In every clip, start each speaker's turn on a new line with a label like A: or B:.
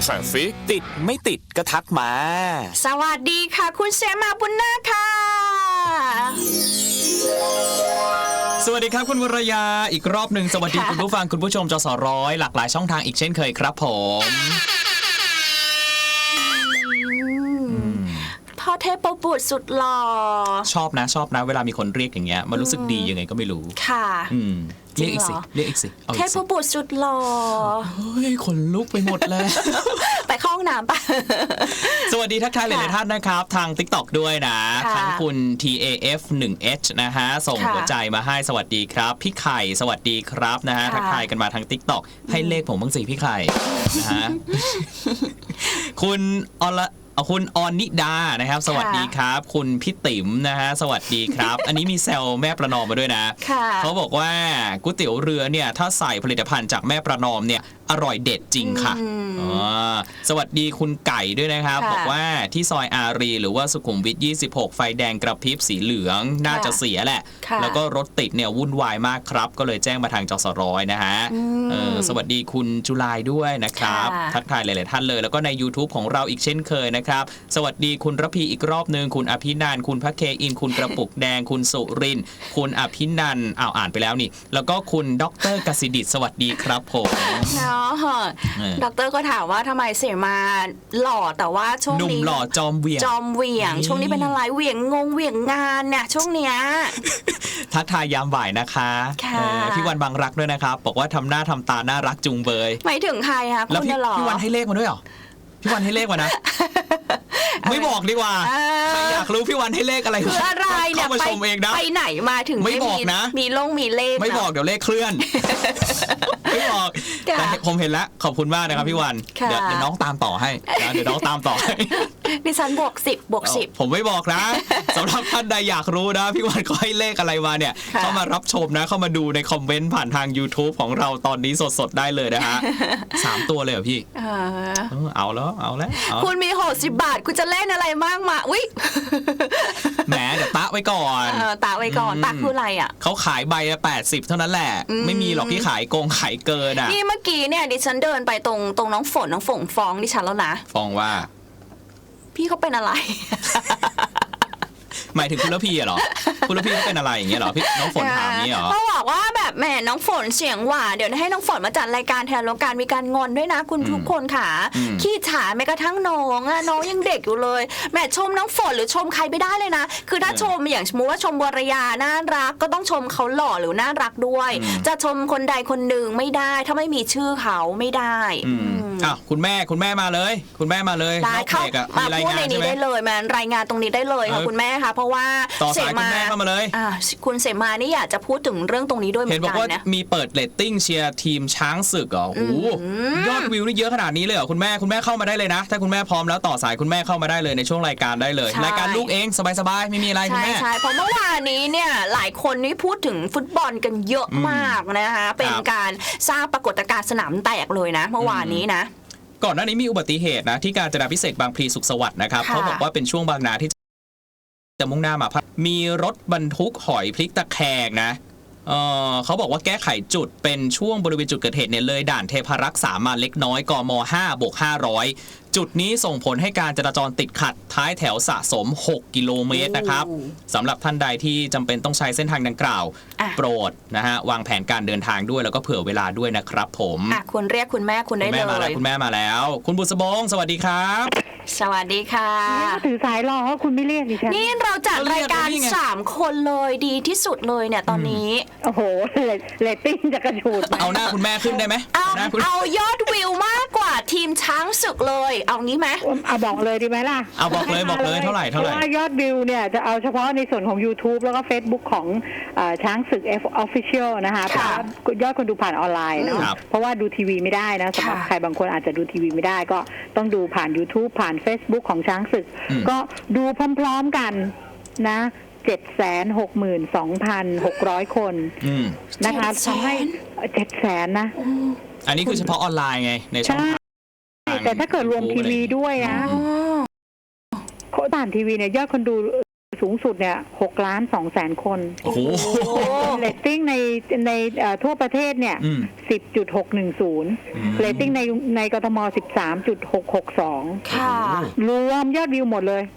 A: Traffic ติดไม่ติดก็ทักมา
B: สวัสดีค่ะคุณเสมาบุญนาคค่ะ
C: สวัสดีครับคุณวรยาอีกรอบหนึ่งสวัสดีคุณผู้ฟังคุณผู้ชมจสร้อยหลากหลายช่องทางอีกเช่นเคยครับผม
B: พ่อเทพบุตรสุดหล่อ
C: ชอบนะเวลามีคนเรียกอย่างเงี้ยมันรู้สึกดียังไงก็ไม่รู้
B: ค่ะ
C: เรียกอีกสิ
B: เทพบุตรสุดหล่อ
C: เฮ้ยขนลุกไปหมดแล้ว
B: ไปเข้าห้องน้ำปะ
C: สวัสดีทักทายหลายๆท่านนะครับทาง TikTok ด้วยนะทั้งคุณ TAF1H นะฮะส่งหัวใจมาให้สวัสดีครับพี่ไข่สวัสดีครับนะฮะทักทายกันมาทาง TikTok ให้เลขผมบ้างสิพี่ไข่นะฮะคุณออนนิดานะครับสวัสดีครับคุณพี่ติ๋มนะฮะสวัสดีครับอันนี้มีแซวแม่ประนอมมาด้วยนะเขาบอกว่าก๋วยเตี๋ยวเรือเนี่ยถ้าใส่ผลิตภัณฑ์จากแม่ประนอมเนี่ยอร่อยเด็ดจริงค่ะสวัสดีคุณไก่ด้วยนะครับบอกว่าที่ซอยอารีหรือว่าสุขุมวิท26ไฟแดงกระพริบสีเหลืองน่าจะเสียแหละแล้วก็รถติดเนี่ยวุ่นวายมากครับก็เลยแจ้งมาทางจสร้อยนะฮะสวัสดีคุณจุลายด้วยนะครับทักทายหลายๆท่านเลยแล้วก็ใน YouTube ของเราอีกเช่นเคยนะครับสวัสดีคุณระพีอีกรอบนึงคุณอภินันท์คุณพระเคอินคุณกระปุกแดงคุณสุรินทร์คุณอภินันท์อ่านไปแล้วนี่แล้วก็คุณดร.กสิดิษฐ์สวัสดีครับผม
B: ดร.ก็ถามว่าทำไมเสมาหล่อแต่ว่าช่วงนี้
C: หนุ่มหล่อจอมเหวี่ยง
B: ช่วงนี้เป็นอะไรเหวี่ยงงานเนี่ยช่วงเนี้ย
C: ทักทายยามบ่ายนะคะพี่วันบางรักด้วยนะครับบอกว่าทำหน้าทำตาน่ารักจุงเบย
B: หมายถึงใครคะ
C: แล้วพี่วันให้เลขมาด้วยเหรอพี่วันให้เลขมานะไม่บอกดีกว่าใครอยากรู้พี่วันให้เลขอะไร
B: คืออะไรเนี่ย
C: มาชมเองนะ
B: ไปไหนมาถึง
C: ไม่บอกนะ
B: มีเลข
C: ไม่บอกเดี๋ยวเลขเคลื่อนไม่บอกแต่ผมเห็นแล้วขอบคุณมากนะครับพี่วันเดี๋ยวน้องตามต่อให้นะเดี๋ยวน้องตามต่อให้
B: ดิฉันบวก10
C: ผมไม่บอกนะสำหรับท่านใดอยากรู้นะพี่วันก็ให้เลขอะไรมาเนี่ยเข้ามารับชมนะเข้ามาดูในคอมเมนต์ผ่านทาง YouTube ของเราตอนนี้สดๆได้เลยนะฮะ3ตัวเลยเหรอพี่เอาแล้ว
B: คุณมี60 บาทคุณจะเล่นอะไรมากมาอุ๊ย
C: แหมเดี๋ยวตะไว้ก่อน
B: ตะคืออะไรอ่ะ
C: เขาขายใบละ80เท่านั้นแหละไม่มีหรอกที่ขายโกงขายเกินอ่ะ
B: นี่เมื่อกี้เนี่ยดิฉันเดินไปตรงน้องฝนฟ้องดิฉันแล้วนะ
C: ฟ้องว่า
B: พี่เขาเป็นอะไร
C: หมายถึงคุณระพีเหรอคุณระพีเขาเป็นอะไรอย่างเงี้ยเหรอพี่น้องฝนถามนี้เหรอ
B: เขาบอกว่าแบบแหมน้องฝนเสียงหวานเดี๋ยวให้น้องฝนมาจัดรายการแทนแล้วการมีการงอนด้วยนะคุณทุกคนค่ะขี้ฉาแม้กระทั่งน้องยังเด็กอยู่เลยแหมชมน้องฝนหรือชมใครไม่ได้เลยนะคือถ้าชมอย่างสมมติว่าชมวรยาน่ารักก็ต้องชมเขาหล่อหรือน่ารักด้วยจะชมคนใดคนหนึ่งไม่ได้ถ้าไม่มีชื่อเขาไม่ได้
C: คุณแม่มาเลยคุณแม่มาเลย
B: ได้เข้ามาพูดในนี้ได้เลยมารายงานตรงนี้ได้เลยค่ะคุณแม่ค่ะเพราะว่า
C: ต่อสายคุณแม่เข้ามาเลย
B: คุณเสมานี่อยากจะพูดถึงเรื่องตรงนี้ด้วยเหมือนกันนะ
C: เห็นบอกว่ามีเปิดเรตติ้งเชียร์ทีมช้างศึกเหรอโอ้ยอดวิวนี่เยอะขนาดนี้เลยเหรอคุณแม่เข้ามาได้เลยนะถ้าคุณแม่พร้อมแล้วต่อสายคุณแม่เข้ามาได้เลยในช่วงรายการได้เลยรายการลูกเองสบายๆไม่มีอะไรคุณแม่
B: ใช่เพราะเมื่อวานนี้เนี่ยหลายคนนี่พูดถึงฟุตบอลกันเยอะมากนะคะเป็นการสร้างปรากฏการณ์สนามแตกเลยนะเมื่อวานนี้นะ
C: ก่อนหน้านี้มีอุบัติเหตุนะที่กาญจนาภิเษกบางพลีสุขสวัสดิ์นะครับเขาบอกว่าเป็นช่วงบางนาที่จะมุ่งหน้ามามีรถบรรทุกหอยพลิกตะแคงนะเขาบอกว่าแก้ไขจุดเป็นช่วงบริเวณจุดเกิดเหตุเนี่ยเลยด่านเทพารักษ์3มาเล็กน้อยกม5/500จุดนี้ส่งผลให้การจราจรติดขัดท้ายแถวสะสม6กิโลเมตรนะครับสำหรับท่านใดที่จำเป็นต้องใช้เส้นทางดังกล่าวโปรดนะฮะวางแผนการเดินทางด้วยแล้วก็เผื่อเวลาด้วยนะครับผม
B: คุณเรียกคุณแม่คุณได้เลย
C: คุณแม่มาแล้วคุณบุษบงสวัสดีครับ
B: สวัสดีค่ะ
D: ถือสายรอคุณไม่เรียกดิฉัน
B: นี่เราจัดรายการ3คนเลยดีที่สุดเลยเนี่ยตอนนี้
D: โอ้โหเรตติ้งจะกระฉูด
C: เอาหน้าคุณแม่ขึ้นได้ไหม
B: เอายอดวิวมากกว่าทีมช้างศึกเลยเอางี้ไหม
D: เอาบอกเลยดีไหมล่ะ
C: เอาบอกเลยเท่าไหร่
D: ว่ายอดวิวเนี่ยจะเอาเฉพาะในส่วนของ YouTube แล้วก็ Facebook ของช้างศึก Official นะคะเพราะยอดคนดูผ่านออนไลน์เนาะเพราะว่าดูทีวีไม่ได้นะสำหรับใครบางคนอาจจะดูทีวีไม่ได้ก็ต้องดูผ่าน YouTube ผ่าน Facebook ของช้างศึกก็ดูพร้อมๆกันนะ762,600 คนนะคะทำให้700,000นะ
C: อันนี้คือเฉพาะออนไลน์ไงในช่องทาง
D: แต่ถ้าเกิดรวมทีวีด้วยนะผ่านทีวีเนี่ยยอดคนดูสูงสุดเนี่ย6,200,000 คน
C: โอ้โห
D: เรตติ้งในทั่วประเทศเนี่ย10.610เรตติ้งในกทม13.662
B: ค่ะ
D: รวมยอดวิวหมดเลย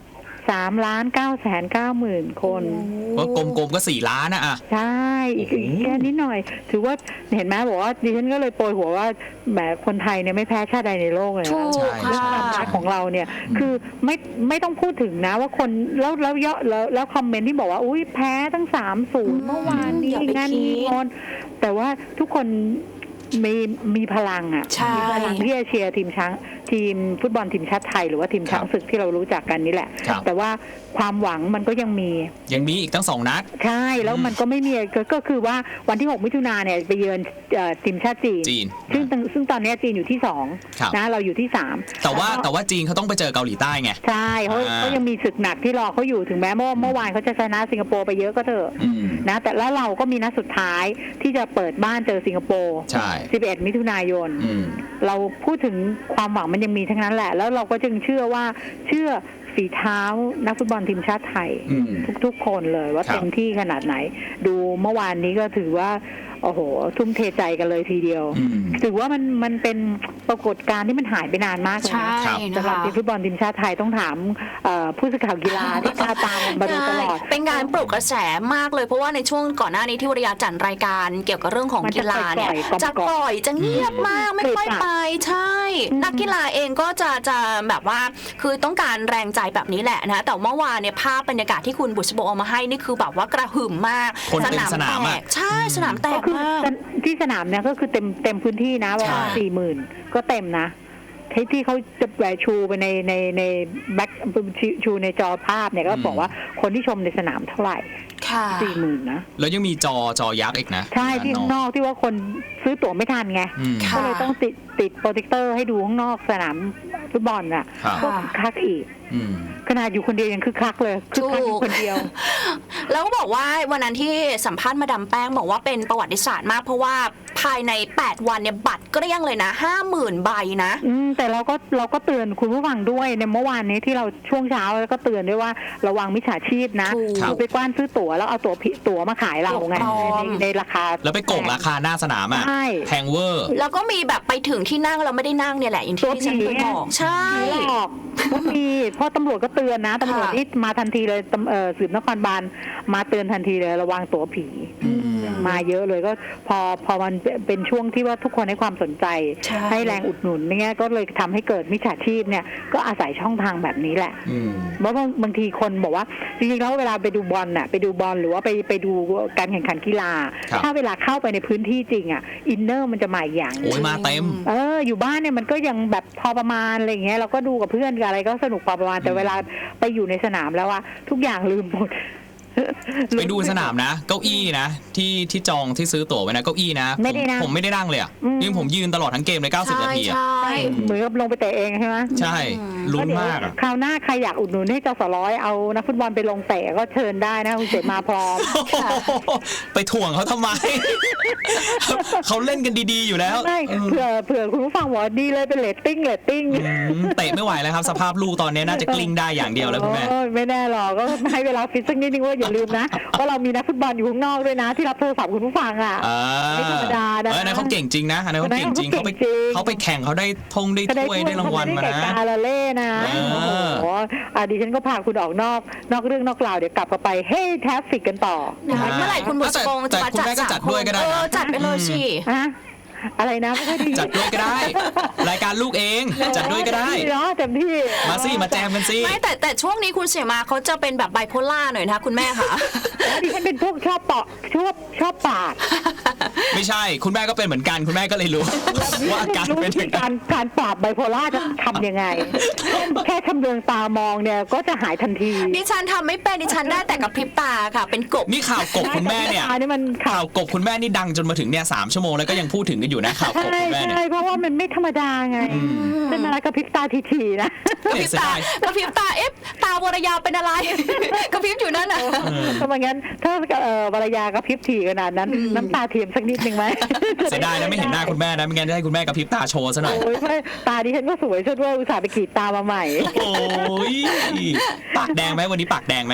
D: 3,990,000 คน
C: ก็กลมๆก็4 ล้านนะอ่ะ
D: ใช่อีกแค่นิดหน่อย ถือว่าเห็นไหมบอกว่าดิฉันก็เลยโปรยหัวว่าแหมคนไทยเนี่ยไม่แพ้ชาติใดในโลกเลย
B: ถู
D: นะ
B: ก
C: ใช่
D: เรื่องความรักของเราเนี่ยคือไม่ต้องพูดถึงนะว่าคนแล้วคอมเมนต์ที่บอกว่าอุ้ยแพ้ตั้ง3-0เมื่อวานนี้
B: อย่าไป
D: งั้น
B: คิด
D: นี้งอนแต่ว่าทุกคนมีพลังอ่ะ
B: ใช่
D: มีพลังที่จะเชียร์ทีมฟุตบอลทีมชาติไทยหรือว่าทีมช้างศึกที่เรารู้จักกันนี่แหละ
C: ครับ
D: แต่ว่าความหวังมันก็ยังมี
C: ยังมีอีกตั้ง2 นัด
D: ใช่แล้วมันก็ไม่มีก็คือว่าวันที่6 มิถุนายนเนี่ยไปเยือนทีมชาติจีน ซึ่งตอนนี้จีนอยู่ที่
C: ครับ
D: 2นะเราอยู่ที่3
C: แต่ว่าจีนเขาต้องไปเจอเกาหลีใต้ไง
D: ใช่เขายังมีศึกหนักที่รอเขาอยู่ถึงแม้เมื่อวานเขาจะชนะสิงคโปร์ไปเยอะก็เถอะ
C: อืม
D: นะแต่แล้วเราก็มีนัดสุดท้ายที่จะเปิดบ้านเจอสิงคโปร์
C: ใช่
D: 11 มิถุนายน
C: อืม
D: เราพูดถึงความหวังมันยังมีทั้งนั้นแหละ แล้วเราก็จึงเชื่อฝีเท้านักฟุตบอลทีมชาติไทย
C: อืม
D: ทุกๆคนเลยว่า
C: ครับ
D: เต็มที่ขนาดไหน ดูเมื่อวานนี้ก็ถือว่าโอ้โหทุ่มเทใจกันเลยทีเดียว
C: อืม
D: ถือว่ามันเป็นปรากฏการณ์ที่มันหายไปนานมากเลย
B: ใช่
D: นะ
B: นะ
D: สำหรับ
B: คะ
D: ทีมฟุตบอลทีมชาติไทยต้องถามผู้สื่อข่าวกีฬาที่ตามมาดูตลอด
B: ใช่เป็นการปลุกกระแสมากเลยเพราะว่าในช่วงก่อนหน้านี้ที่วรยาจัดรายการเกี่ยวกับเรื่องของ
D: มัน
B: กี
D: จะ
B: ฬาเนี่ย
D: ปล่อยๆ
B: จะเงียบมากไม่ค่อยไปใช่ นักกีฬาเองก็จะแบบว่าคือต้องการแรงใจแบบนี้แหละนะแต่เมื่อวานเนี่ยภาพบรรยากาศที่คุณบุษบเอามาให้นี่คือแบบว่ากระหึ่มมาก
C: คนเต็มสนาม
B: แต
C: อะ
B: กใช่สนามแต
D: ก็
B: ก
D: คือ
B: มาก
D: ที่สนามเนี่ยก็คือเต็มพื้นที่นะประมาณ
C: ใช่
D: 40,000 ก็เต็มนะที่เขาจะแหวชูไปในแบ็คชูในจอภาพเนี่ยก็บอกว่าคนที่ชมในสนามเท่าไหร่
B: ค่ะ
D: 40,000 นะ
C: แล้วยังมีจอยักษ์อีกนะ
D: ใช่ที่ข้างนอกที่ว่าคนซื้อตั๋วไม่ทันไง
C: อืม
B: ค่ะ
D: ก็เลยต้องติดโปรเจคเตอร์ให้ดูข้างนอกสนามฟุตบอลน่ะ
C: ครับ
D: ก็คึกคักอีก
C: อืม
D: ขนาดอยู่คนเดียวยังคึกคักเลยคึกคักอยู่คนเดียว
B: แล้วก็บอกว่าวันนั้นที่สัมภาษณ์มาดามแป้งบอกว่าเป็นประวัติศาสตร์มากเพราะว่าภายใน8 วันเนี่ยบัตรเกลี้ยงเลยนะ 50,000 ใบนะ
D: แต่เราก็เตือนคุณผู้ฟังด้วยในเมื่อวานนี้ที่เราช่วงเช้าแล้วก็เตือนด้วยว่าระวังมิจฉาชีพนะ
B: ถูก
D: คือไปกว้านซื้อตั๋วแล้วเอาตั๋วมาขายเราไง
B: ถูกต้อง
D: ในราคา
C: แล้วไปโกงราคาหน้าสนามอ่ะ
D: ใช่
C: แพงเวอร์
B: แล้วก็มีแบบไปถึงที่นั่งเราไม่ได้นั่งเนี่ยแหละอย่างที่ดิฉันเคยบอกใช่
D: ไม่หลอกก็มีเพราะตำรวจก็เตือนนะตำรวจที่มาทันทีเลยสืบนครบาลมาเตือนทันทีเลยระวังตั๋วผี มาเยอะเลยก็พอมันเป็นช่วงที่ว่าทุกคนให้ความสนใจ
B: ใช่
D: ให้แรงอุดหนุนเนี่ยก็เลยทำให้เกิดมิจฉาชีพเนี่ยก็อาศัยช่องทางแบบนี้แหละ
C: อืม
D: เพราะบางทีคนบอกว่าจริงๆแล้วเวลาไปดูบอลน่ะไปดูบอลหรือว่าไปดูการแข่งขันกีฬา
C: ครับ
D: ถ้าเวลาเข้าไปในพื้นที่จริงอ่ะอินเนอร์มันจะมาอีกอย่าง
C: โอ้ยมาเต็ม
D: อยู่บ้านเนี่ยมันก็ยังแบบพอประมาณอะไรอย่างเงี้ยเราก็ดูกับเพื่อนกับอะไรก็สนุกพอประมาณแต่เวลาไปอยู่ในสนามแล้วอะทุกอย่างลืมหมด
C: ไปดูสนามนะ เก้าอี้นะที่จองที่ซื้อตั๋วไว้นะเก้าอี้นะ
D: ไม่ได้นะ
C: ผมไม่ได้นั่งเลยอ่ะยิ่งผมยืนตลอดทั้งเกมเลย90 นาทีอ่ะ
B: ใช่
D: เหมือนกับลงไปเตะเองใช่ไหม
C: ใช่ลุ้นมากอ่ะ
D: คราวหน้าใครอยากอุดหนุนให้จสร้อยเอานักฟุตบอลไปลงเตะก็เชิญได้นะคุณเสมาพร้อม
C: ไปถ่วงเขาทำไม เขาเล่นกันดีๆอยู่แล้ว
D: ไม่เผื่อคุณผู้ฟังบอกว่าดีเลยเป็นเรตติ้ง
C: เตะไม่ไหวแล้วครับ สภาพลูกตอนนี้น่าจะกลิ้งได้อย่างเดียวแล้วคุณแม่
D: โอ้ยไม่แน่หรอกก็ให้เวลาฟิตสักนิดนึงว่าอย่าลืมนะว่าเรามีนักฟุตบอลอยู่ข้างนอกด้วยนะที่รับโทรศัพท์คุณผู้ฟังอ่ะ ไม่ธรรมดานะ
C: อันนั้นเขาเก่งจริงนะอันนั้นเขาเก่งจริงเขาไปแข่งเขาได้ธงได้ถ้วยได้รางวัลมานะ
D: กาลาเล่นะ
C: เออ
D: โอ้โหดิฉันก็พาคุณออกนอกเรื่องนอกราวเดี๋ยวกลับไปเฮ้แทฟฟิกกันต่อ
B: นะคะเมื่อไหร่คุณบุษบงจะมา
C: แต่คุณแม่ก็จัดด้วยก็ได้นะ
B: จัดไปเลยสิ
D: ฮะอะไรนะไม่ค่อยดี
C: จัดด้วยก็ได้ รายการลูกเองจัดด้วยก็ได้
D: เนาะเต็มที่
C: มาสิมาแจมกันสิ
B: ไม่แต่ช่วงนี้คุณเสียมาเขาจะเป็นแบบไบโพล่าหน่อยนะคะคุณแม่ค่ะ
D: ดิฉันเป็นพวกชอบปาก
C: ไม่ใช่คุณแม่ก็เป็นเหมือนกันคุณแม่ก็เลยรู้ ว่าอาการ
D: รู้
C: เป็น
D: วิ
C: ยั
D: ธี
C: งไง
D: การปราบไบโพล่าจะทำยังไง แค่ชำเลืองตามองเนี่ยก็จะหายทันที
B: ดิฉันทำไม่เป็นดิฉันได้แต่กับพริบตาค่ะ เป็นกบ
C: นี่ข่าวกบคุณแม่เนี่ย
D: อันนี้มันข่า
C: ข่าว วกบคุณแม่นี่ดังจนมาถึงเนี่ย3 ชั่วโมงแล้วก็ยังพูดถึงกันอยู่นะข่าวกบ
D: ใช่
C: คุณแม่เนี่ย
D: ใช่เพราะว่ามันไม่ธรรมดาไงเป็นอะไรกับพริบตาทีๆนะ
B: กระพริบตากระพริบตาตาวรยาเป็นอะไร กระพริบอยู่นั่นน่ะ
D: ถ้าไม่งั้นถ้าวรยากระพริบถี่ขนาดนั้น น้ำตาเทียมสักนิดนึงไหม
C: เสียดายนะไม่เห็นหน้าคุณแม่นะไม่งั้นจะให้คุณแม่กระพริบตาโชว์ซะหน่อย
D: โอ้ยไม่ตาดิฉันก็สวยซะด้วยอุตส่าห์ไปกรีดตามาใหม่
C: โอ้ยปากแดงไหมวันนี้ปากแดงไหม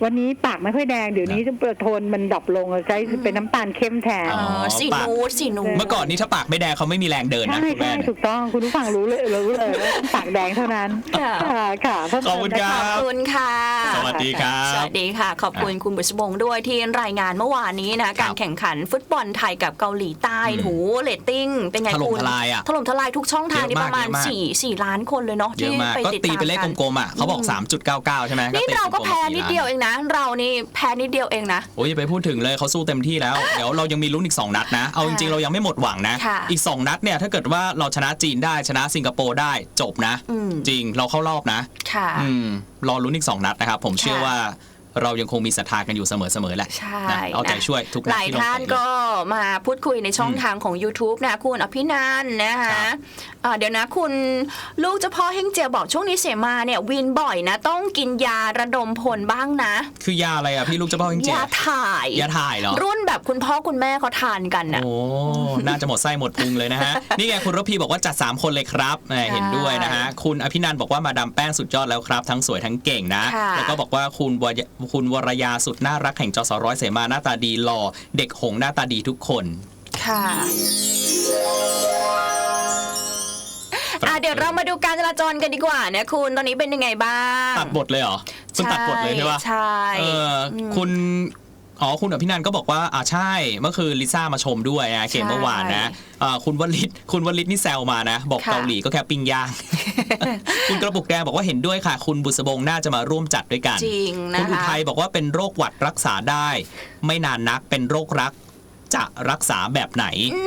D: วันนี้ปากไม่ค่อยแดงเดี๋ยวนี้โทนมันดรอปลงใช้เป็นน้ำตาลเข้มแทน
B: สีนูดสีนูด
C: เมื่อก่อนนี้ถ้าปากไม่แดงเขาไม่มีแรงเดินนะ
D: ใช่
C: คุณแม่
D: ใช่ถูกต้องคุณผู้ฟังรู้เลยว่าปากแดงเท่านั้นค่ะ
C: ขอบคุณครั
B: ขอบคุณค่ะ
C: สวัสดีครับ
B: สวัสดีค่ะขอบคุณคุณบุษบงด้วยที่รายงานเมื่อวานนี้นะการแข่งขันฟุตบอลไทยกับเกาหลีใต้หูเรตติ้งเป็นไง
C: ถล่ม
B: คุณ
C: ทลายอะ
B: ถล่มทลายทุกช่องทางนี่ประมาณ
C: เยอะมาก
B: 4 ล้านคนเลยเนาะ
C: เยอะ
B: ที่
C: มาก
B: ไป
C: ก็
B: ติด
C: ตี
B: ตาม
C: เป็นเลข
B: กัน
C: กลมๆอ่ะเขาบอก 3.99 ใช่ไหม
B: นี่เราก็
C: ตี
B: แพ้
C: ลมๆ
B: นิดเดียวเองนะ เรานี่แพ้นิดเดียวเองนะ
C: โอ้ยอย่าไปพูดถึงเลยเขาสู้เต็มที่แล้ว เดี๋ยวเรายังมีลุ้นอีก2นัดนะเอาจริงๆเรายังไม่หมดหวังนะ
B: ค่ะ
C: อีก2นัดเนี่ยถ้าเกิดว่าเราชนะจีนได้ชนะสิงคโปร์ได้จบนะ จริงเราเข้ารอบนะ
B: ค่ะ
C: รอลุ้นอีก2นัดนะครับผมเชื่อว่าเรายังคงมีศรัทธากันอยู่เสมอๆแหละ
B: ใช่
C: นะเอาใจช่วยทุกนัด
B: หลาย
C: ที่ลง
B: ท่าน
C: ไป
B: ก็มาพูดคุยในช่องทางของ YouTube นะคุณอภินันท์นะคะเดี๋ยวนะคุณลูกเจ้าพ่อเฮงเจียบอกช่วงนี้เสมาเนี่ยวินบ่อยนะต้องกินยาระดมพลบ้างนะ
C: คือยาอะไรอ่ะพี่ลูกเจ้าพ่อจริง
B: ยาถ่าย
C: ยาถ่ายเหรอ
B: รุ่นแบบคุณพ่อคุณแม่เขาทานกันนะ
C: โอ้ น่าจะหมดไส้หมดพุงเลยนะฮะ นี่ไงคุณรพีบอกว่าจัด3คนเลยครับเห็นด้วยนะฮะคุณอภินันท์บอกว่ามาดามแป้งสุดยอดแล้วครับทั้งสวยทั้งเก่งนะแล้วก็บอกว่าคุณวรยาสุดน่ารักแห่งจสร้อยเสมาหน้าตาดีหล่อเด็กหงหน้าตาดีทุกคน
B: ค่ะเดี๋ยวเรามาดูการจราจรกันดีกว่านะคุณตอนนี้เป็นยังไงบ้าง
C: ตัดบทเลยเหรอคุณตัดบทเลยใช่ปะ
B: ใช่
C: คุณอภินันท์ก็บอกว่าใช่เมื่อคืนลิซ่ามาชมด้วยนะเกมเมื่อวานนะคุณวลิตนี่แซวมานะบอกเกาหลีก็แค่ปิ้งย่าง คุณกระปุกแดงบอกว่าเห็นด้วยค่ะคุณบุษบงน่าจะมาร่วมจัดด้วยกัน
B: จริงนะคะ
C: คุณอุทัยบอกว่าเป็นโรคหวัดรักษาได้ ไม่นานนักเป็นโรครักจะรักษาแบบไหน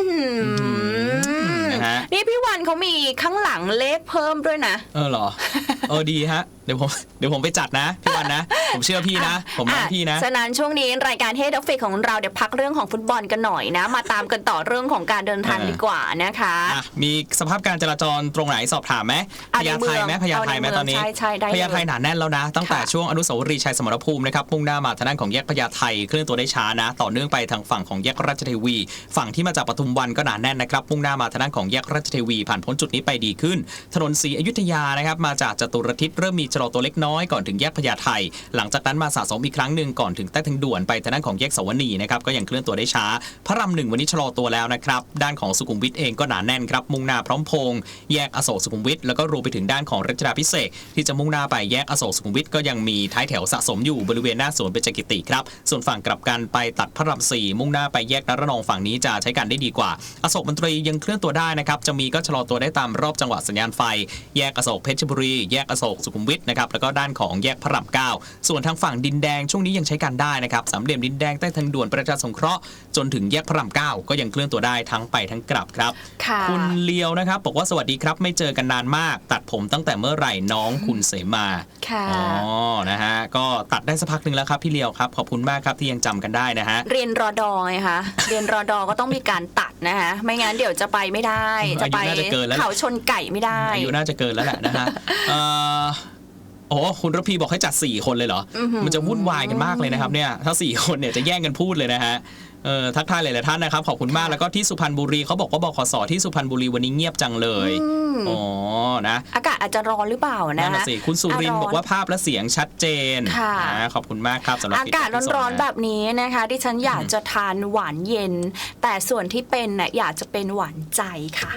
C: นะฮะ
B: นี่พี่วันเขามีข้างหลังเลขเพิ่มด้วยนะ
C: เหรอดีฮะเดี๋ยวผมไปจัดนะพี่วันนะผมเชื่อพี่นะผมรักพี่นะ
B: ฉะนั้นช่วงนี้รายการเฮดด็อกฟิกของเราเดี๋ยวพักเรื่องของฟุตบอลกันหน่อยนะมาตามกันต่อเรื่องของการเดินทางดีกว่านะคะ
C: มีสภาพการจราจรตรงไหนสอบถามไหมพญาไทไหมตอนนี้พญาไทหนาแน่นแล้วนะตั้งแต่ช่วงอนุสาวรีย์ชัยสมรภูมินะครับมุ่งหน้ามาทางด้านของแยกพญาไทเคลื่อนตัวได้ช้านะต่อเนื่องไปทางฝั่งของแยกราชเทวีฝั่งที่มาจากปทุมวันก็หนาแน่นนะครับมุ่งหน้ามาทางด้านของแยกราชเทวีผ่านพ้นจุดนี้ไปดีขึ้นถนนศรีอยุธยานะครับมาจากจตุรทิศเริ่มมีชะลอตัวเล็กน้อยก่อนถึงแยกพญาไทหลังจากนั้นมาสะสมอีกครั้งหนึ่งก่อนถึงใต้ทางด่วนไปทางด้านของแยกสวนีนะครับก็ยังเคลื่อนตัวได้ช้าพระราม1วันนี้ชะลอตัวแล้วนะครับด้านของสุขุมวิทเองก็หนาแน่นครับมุ่งหน้าพร้อมพงษ์แยกอโศกสุขุมวิทแล้วก็รวมไปถึงด้านของรัชดาภิเษกที่จะมุ่งหน้าไปแยกอโศกสุขุมวิทก็ยังมีท้ายแถวสะสมอยู่บริเวณหน้าสวนเบญจกิติครับส่วนฝั่งกลับกันไปตัดพระราม4มุ่งหน้าไปแยกนรนองฝั่งนี้จะใช้การได้ดีกว่าอโศกมนตรียังเคลื่อนตัวได้นะครับจะมีก็ชะลอตัวได้ตามรอบจังหวะสัญญาณไฟแยกอโศกเพชรบุรีแยกอโศกสุขุมวิทนะครับแล้วก็ด้านของแยกพระราม9ส่วนทางฝั่งดินแดงช่วงนี้ยังใช้การได้นะครับสามเหลี่ยมดินแดงใต้ทางด่วนประชาสงเคราะห์จนถึงแยกพระราม9ก็ยังเคลื่อนตัวได้ทั้งไปทั้งกลับครับคุณเลียวนะครับบอกว่าสวัสดีครับไม่เจอกันนานมากตัดผมตั้งแต่เมื่อไหร่น้องคุณเสมานะฮะก็ตัดได้สักพักนึงแล้วครับพี่เลียวครับขอบคุณมากครับที่ยังจำกันได้นะฮะ
B: เรียนรอดอไงคะเรียนรอดอก็ต้องมีการตัดนะคะไม่งั้นเดี๋ยวจะไปไม่ได้จะไปเขาชนไก่ไม่ได้
C: อายุน่าจะเกินแล้วแหละนะฮะคุณรพีบอกให้จัด4คนเลยเหรอมันจะวุ่นวายกันมากเลยนะครับเนี่ยถ้า4คนเนี่ยจะแย่งกันพูดเลยนะฮะทักทายหลายๆท่านนะครับขอบคุณมากแล้วก็ที่สุพรรณบุรีเขาบอกว่าบขสที่สุพรรณบุรีวันนี้เงียบจังเลยนะ
B: อากาศอาจจะร้อนหรือเปล่านะ
C: คุณสุรินทร์บอกว่าภาพและเสียงชัดเจนนะขอบคุณมากครับสำหรับ
B: อากาศร้อนๆแบบนี้นะคะที่ฉันอยากจะทานหวานเย็นแต่ส่วนที่เป็นน่ะอยากจะเป็นหวานใจค่ะ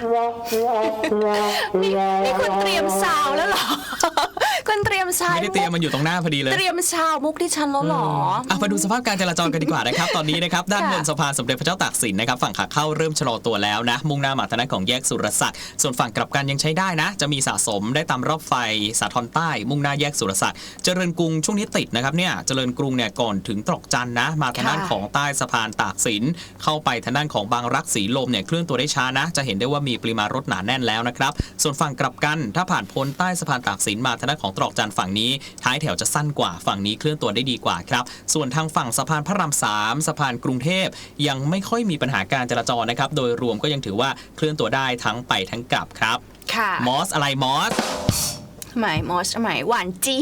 B: นี่คุณเตรียมซาวแล้วเหรอคุณเตรียมซาว
C: ไม่ได้เตรียมมันอยู่ตรงหน้าพอดีเลย
B: เตรียมซาวมุกที่ฉันแล้วหรอ
C: ไปดูสภาพการจราจรกันดีกว่านะครับตอนนี้นะครับด้านบนสะพานสมเด็จพระเจ้าตากสินนะครับฝั่งขาเข้าเริ่มชะลอตัวแล้วนะมุ่งหน้ามาทางด้านของแยกสุรศักดิ์ส่วนฝั่งกลับกันยังใช้ได้นะจะมีสะสมได้ตามรอบไฟสาทรใต้มุ่งหน้าแยกสุรศักดิ์เจริญกรุงช่วงนี้ติดนะครับเนี่ยเจริญกรุงเนี่ยก่อนถึงตรอกจันนะมาทางด้านของใต้สะพานตากสินเข้าไปทางด้านของบางรักสีลมเนี่ยเคลื่อนตัวได้ช้านะจะเห็นได้ว่ามีปริมาณรถหนาแน่นแล้วนะครับส่วนฝั่งกลับกันถ้าผ่านพ้นใต้สะพานตากสินมาทางด้านของตรอกจันฝั่งนี้ท้ายแถวจะสั้นกว่าฝั่งนี้เคลื่อนตัวได้ดีกว่าครับส่วนทางฝั่งสะพานพระราม3สะพานกรุงเทพยังไม่ค่อยมีปัญหาการจราจรนะครับโดยรวมก็ยังถือว่าเคลื่อนตัวได้ทั้งไปทั้งกลับครับมอสอะไรมอส
B: หมายหวานจี้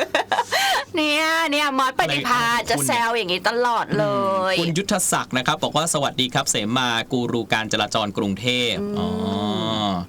B: เนี่ยมอสปฏิภาณจะแซวอย่างนี้ตลอดเลย
C: คุณยุทธศักดิ์นะครับบอกว่าสวัสดีครับเสมากูรูการจราจรกรุงเทพข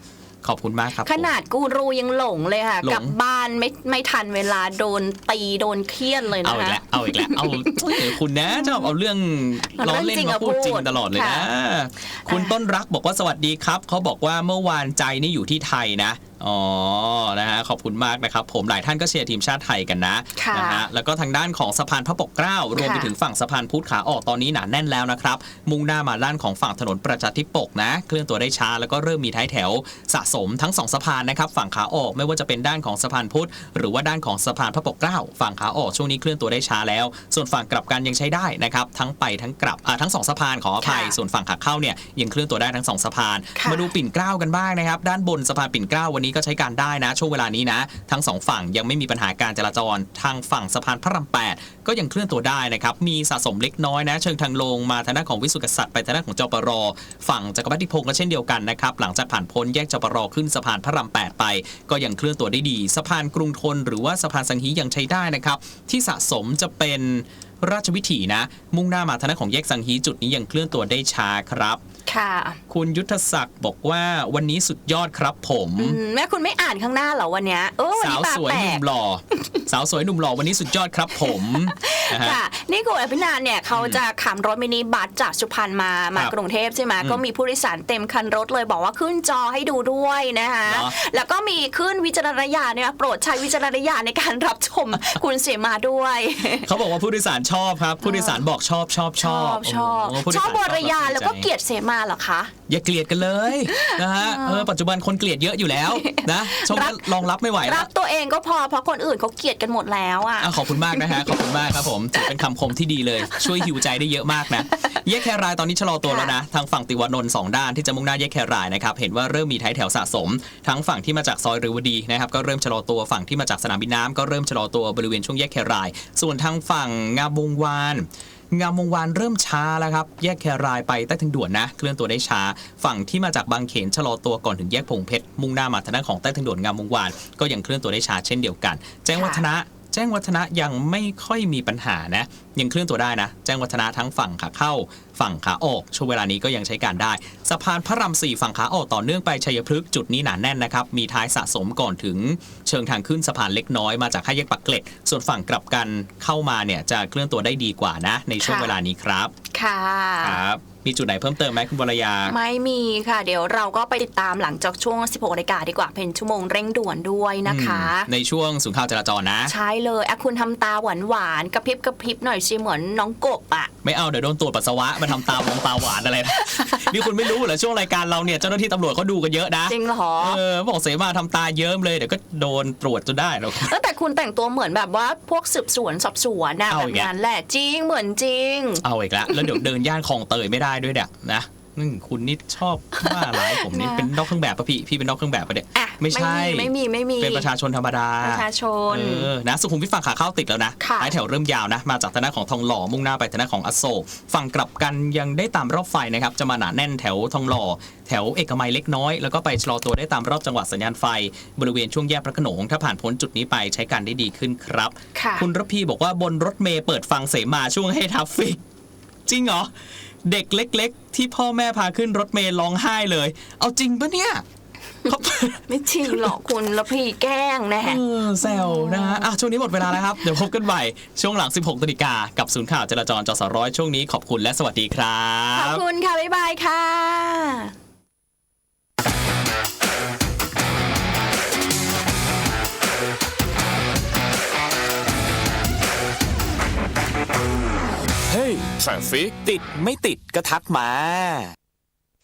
C: ขอบคุณมากครับ
B: ขนาดกูรูยังหลงเลยค่ะ
C: หลง
B: กลับบ้านไม่ทันเวลาโดนตีโดนเคี่ยนเลย
C: เอา
B: นะ
C: อีก
B: คะ
C: แล้วเอาอีกแล้วเอาคุณนะชอบเอาเรื่องล้อเล่นมาพูดจริงตลอดเลยนะ คุณต้นรักบอกว่าสวัสดีครับเขาบอกว่าเมื่อวานใจนี่อยู่ที่ไทยนะอ๋อนะฮะขอบคุณมากนะครับผมหลายท่านก็เชียร์ทีมชาติไทยกันนะนะฮะแล้วก็ทางด้านของสะพานพระปกเกล้ารวมไปถึงฝั่งสะพานพุทธขาออกตอนนี้หนาแน่นแล้วนะครับมุ่งหน้ามาด้านของฝั่งถนนประชาธิปกนะเคลื่อนตัวได้ช้าแล้วก็เริ่มมีท้ายแถวสะสมทั้ง2สะพานนะครับฝั่งขาออกไม่ว่าจะเป็นด้านของสะพานพุทธหรือว่าด้านของสะพานพระปกเกล้าฝั่งขาออกช่วงนี้เคลื่อนตัวได้ช้าแล้วส่วนฝั่งกลับกันยังใช้ได้นะครับทั้งไปทั้งกลับทั้ง2สะพานขออภัยส่วนฝั่งขาเข้าเนี่ยยังเคลื่อนตัวได้ทั้ง2สะพานมาดูปิ่นเกล้ากันบ้างนะครับด้านบนสะพานปิ่นเกล้าวันนี้ก็ใช้การได้นะช่วงเวลานี้นะทั้ง2ฝั่งยังไม่มีปัญหาการจราจรทางฝั่งสะพานพระราม8ก็ยังเคลื่อนตัวได้นะครับมีสะสมเล็กน้อยนะเชิงทางลงมาทางด้านของวิสุทธิกษัตริย์ไปทางด้านของจปรฝั่งจักรพรรดิพงศ์ก็เช่นเดียวกันนะครับหลังจากผ่านพ้นแยกจปรขึ้นสะพานพระราม8ไปก็ยังเคลื่อนตัวได้ดีสะพานกรุงธนหรือว่าสะพานสังฮียังใช้ได้นะครับที่สะสมจะเป็นราชวิถีนะมุ่งหน้ามาทางด้านของแยกสังฮีจุดนี้ยังเคลื่อนตัวได้ช้าครับ
B: ค่ะ
C: คุณยุทธศักดิ์บอกว่าวันนี้สุดยอดครับผม
B: แม่คุณไม่อ่านข้างหน้าเหรอวันเนี้ย
C: สาวสวยหนุ่มหล่อสาวสวยหนุ่มหล่อวันนี้สุดยอดครับผม
B: ค่ะนี่คุณอภินันท์เนี่ยเขาจะขับรถมินิบัสจากสุพรรณมากรุงเทพใช่ไหมก็มีผู้โดยสารเต็มคันรถเลยบอกว่าขึ้นจอให้ดูด้วยนะคะแล้วก็มีขึ้นวิจารณญาณเนี่ยโปรดใช้วิจารณญาณในการรับชมคุณเสมาด้วย
C: เขาบอกว่าผู้โดยสารชอบครับผู้โดยสารบอกชอบบ
B: ริยาแล้วก็เกลียดเสมาเหรอคะ
C: อย่าเกลียดกันเลยนะฮะปัจจุบันคนเกลียดเยอะอยู่แล้วนะชมรองรับไม่ไหว
B: รับตัวเองก็พอเพราะคนอื่นเขาเกลียดกันหมดแล้วอ่ะ
C: ขอบคุณมากนะฮะขอบคุณมากครับผมถือเป็นคำคมที่ดีเลยช่วยหิวใจได้เยอะมากนะแยกแครายตอนนี้ชะลอตัวแล้วนะทางฝั่งติวานนท์2ด้านที่จะมุ่งหน้าแยกแครายนะครับเห็นว่าเริ่มมีท้ายแถวสะสมทั้งฝั่งที่มาจากซอยเรวดีนะครับก็เริ่มชะลอตัวฝั่งที่มาจากสนามบินน้ำก็เริ่มชะลอตัวบริเวณช่วงแยกแครายส่วนทางฝั่งงามวงวานเริ่มช้าแล้วครับแยกแครายไปใต้ทางด่วนนะเคลื่อนตัวได้ช้าฝั่งที่มาจากบางเขนชะลอตัวก่อนถึงแยกพงเพชรมุ่งหน้ามาทางด้านของใต้ทางด่วนงามวงวานก็ยังเคลื่อนตัวได้ช้าเช่นเดียวกันแจ้งวัฒนะยังไม่ค่อยมีปัญหานะยังเคลื่อนตัวได้นะแจ้งวัฒนะทั้งฝั่งขาเข้าฝั่งขาออกช่วงเวลานี้ก็ยังใช้การได้สะพานพระราม4ฝั่งขาออกต่อเนื่องไปชัยพฤกษ์จุดนี้หนาแน่นนะครับมีท้ายสะสมก่อนถึงเชิงทางขึ้นสะพานเล็กน้อยมาจาก5แยกปากเกร็ดส่วนฝั่งกลับกันเข้ามาเนี่ยจะเคลื่อนตัวได้ดีกว่านะในช่วงเวลานี้ครับ
B: ค่ะ
C: ครับมีจุดไหนเพิ่มเติมไหมคุณวรยา
B: ไม่มีค่ะเดี๋ยวเราก็ไปติดตามหลังจากช่วง 16 นาฬิกาดีกว่าเป็นชั่วโมงเร่งด่วนด้วยนะคะ
C: ในช่วงศูนย์ข่าวจราจรนะ
B: ใช่เลยคุณทำตาหวานกระพริบหน่อยสิเหมือนน้องกบอ่ะ
C: ไม่เอาเดี๋ยวโดนตรวจปัสสาวะมาทำตาหวานอะไรนะนี่คุณไม่รู้เหรอช่วงรายการเราเนี่ยเจ้าหน้าที่ตำรวจเขาดูกันเยอะนะ
B: จริงเหรอ
C: บอกเสมาทำตาเยิ้มเลยเดี๋ยวก็โดนตรวจจนได้แล้ว
B: แต่คุณแต่งตัวเหมือนแบบว่าพวกสืบสวนสอบสวนนะแบบนั้นแหละจริงเหมือนจริง
C: เอาอีกแล้วเดี๋ยวเดินย่านคลองเตยไม่ได้ด้วยเนี่ยนะคุณนี่ชอบว่าร้ายผมนี่เป็นนอกเครื่องแบบป่ะพี่เป็นนอกเครื่องแบบป่ะเนี่ยไม่ใช่
B: ไม่มี
C: เป็นประชาชนธรรมดา
B: ประชาชน
C: นะสุขุมวิทฝั่งขาเข้าติดแล้วนะท้ายแถวเริ่มยาวนะมาจากทางด้านของทองหล่อมุ่งหน้าไปทางด้านของอโศกฝั่งกลับกันยังได้ตามรอบไฟนะครับจะมาหนาแน่นแถวทองหล่อแถวเอกมัยเล็กน้อยแล้วก็ไปชะลอตัวได้ตามรอบจังหวัดสัญญาณไฟบริเวณช่วงแยกพระโขนงถ้าผ่านพ้นจุดนี้ไปใช้การได้ดีขึ้นครับคุณระพีบอกว่าบนรถเมล์เปิดฟังเสมาช่วงให้ทัฟฟิกจริงเหรอเด็กเล็กๆที่พ่อแม่พาขึ้นรถเมล์ร้องไห้เลยเอาจริงปะเนี่ย
B: ไม่จริงหรอกคุณแล้วพี่แกล้งแน่
C: แซวนะฮะช่วงนี้หมดเวลาแล้วครับเดี๋ยวพบกันใหม่ช่วงหลัง 16 นาฬิกากับศูนย์ข่าวจราจรจสร้อยช่วงนี้ขอบคุณและสวัสดีครับ
B: ขอบคุณค่ะบ๊ายบายค่ะ
A: เฮ้ยทราฟฟิกติดไม่ติดก็ทักมา